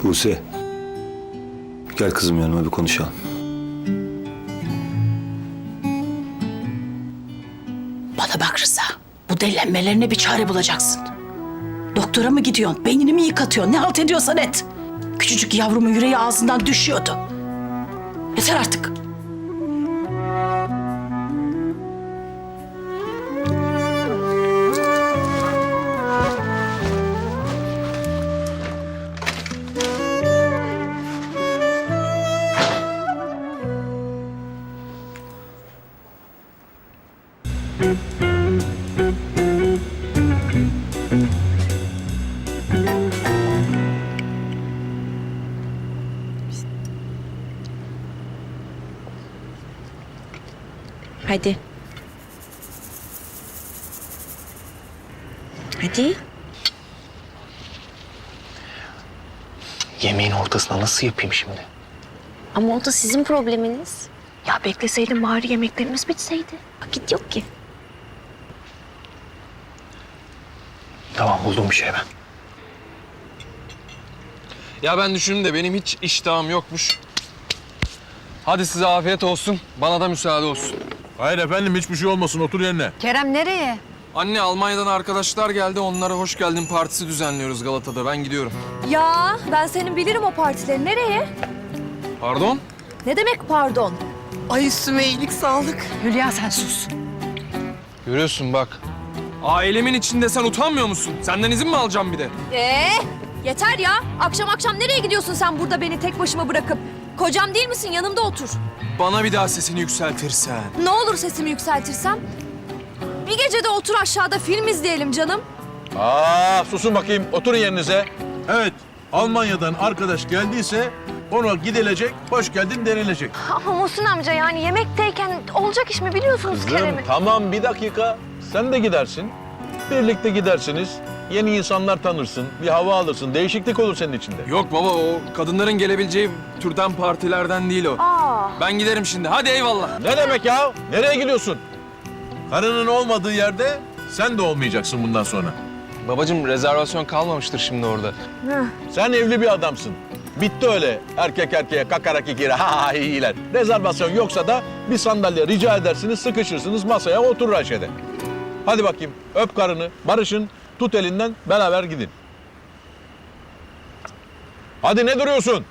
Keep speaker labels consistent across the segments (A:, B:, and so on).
A: Buse. Gel kızım yanıma bir konuşalım.
B: Bana bak Rıza. Bu delilenmelerine bir çare bulacaksın. Doktora mı gidiyorsun? Beynini mi yıkatıyorsun? Ne halt ediyorsan et. Küçücük yavrumun yüreği ağzından düşüyordu. Yeter artık.
C: Hadi. Hadi.
D: Yemeğin ortasına nasıl yapayım şimdi?
C: Ama o da sizin probleminiz. Ya bekleseydin bari yemeklerimiz bitseydi. Vakit yok ki.
D: Tamam, buldum bir şey ben.
E: Ya ben düşündüm de benim hiç iştahım yokmuş. Hadi size afiyet olsun, bana da müsaade olsun.
F: Hayır efendim, hiçbir şey olmasın, otur yerine.
G: Kerem nereye?
E: Anne, Almanya'dan arkadaşlar geldi, onlara hoş geldin partisi düzenliyoruz Galata'da. Ben gidiyorum.
G: Ya ben senin bilirim o partileri. Nereye?
E: Pardon?
G: Ne demek pardon?
B: Ay üstüme iyilik sağlık.
G: Hülya sen sus.
E: Görüyorsun bak. Ailemin içinde sen utanmıyor musun? Senden izin mi alacağım bir de?
G: Yeter ya. Akşam akşam nereye gidiyorsun sen burada beni tek başıma bırakıp? Kocam değil misin? Yanımda otur.
E: Bana bir daha sesini yükseltirsen.
G: Ne olur sesimi yükseltirsem? Bir gece de otur aşağıda film izleyelim canım.
F: Susun bakayım, oturun yerinize. Evet, Almanya'dan arkadaş geldiyse ona gidilecek, hoş geldin denilecek.
G: Ama Muhsin amca yani yemekteyken olacak iş mi biliyorsunuz Kerem'i?
F: Tamam, bir dakika. Sen de gidersin. Birlikte gidersiniz. Yeni insanlar tanırsın, bir hava alırsın, değişiklik olur senin içinde.
E: Yok baba, o kadınların gelebileceği türden partilerden değil o. Ben giderim şimdi, hadi eyvallah.
F: Ne demek ya? Nereye gidiyorsun? Karının olmadığı yerde sen de olmayacaksın bundan sonra.
E: Babacığım, rezervasyon kalmamıştır şimdi orada.
F: Sen evli bir adamsın. Bitti öyle erkek erkeğe kakarak ikili ha iyiler. Rezervasyon yoksa da bir sandalye rica edersiniz, sıkışırsınız, masaya oturur Ayşe'de. Hadi bakayım, öp karını, barışın, tut elinden, beraber gidin. Hadi, ne duruyorsun?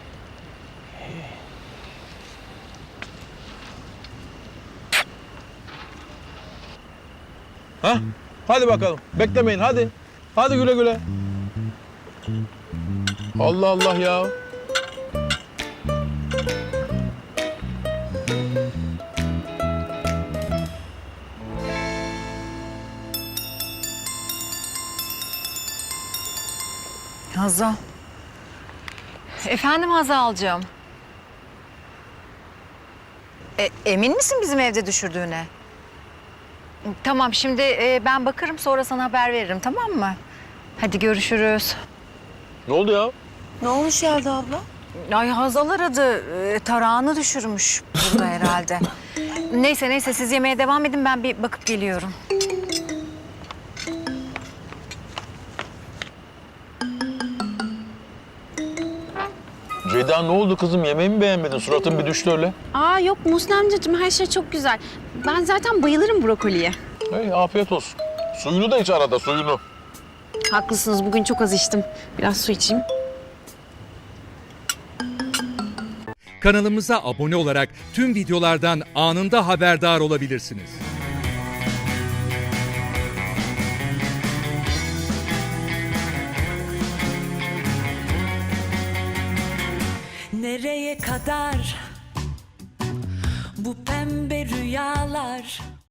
F: Ha? Hadi bakalım, beklemeyin, hadi. Hadi güle güle. Allah Allah ya.
H: Hazal. Efendim Hazal'cığım. Emin misin bizim evde düşürdüğüne? Tamam, şimdi ben bakarım, sonra sana haber veririm, tamam mı? Hadi görüşürüz.
F: Ne oldu ya?
H: Ne olmuş Yelda abla? Ay Hazal aradı. Tarağını düşürmüş burada herhalde. Neyse siz yemeğe devam edin, ben bir bakıp geliyorum.
F: Ceyda, ne oldu kızım? Yemeğimi beğenmedin? Suratın bir düştü öyle.
C: Yok Muhsin amcacığım, her şey çok güzel. Ben zaten bayılırım brokoliye.
F: Hey, afiyet olsun. Suyunu da iç arada, suyunu.
C: Haklısınız, bugün çok az içtim. Biraz su içeyim.
I: Kanalımıza abone olarak tüm videolardan anında haberdar olabilirsiniz.
J: Nereye kadar bu pembe rüyalar?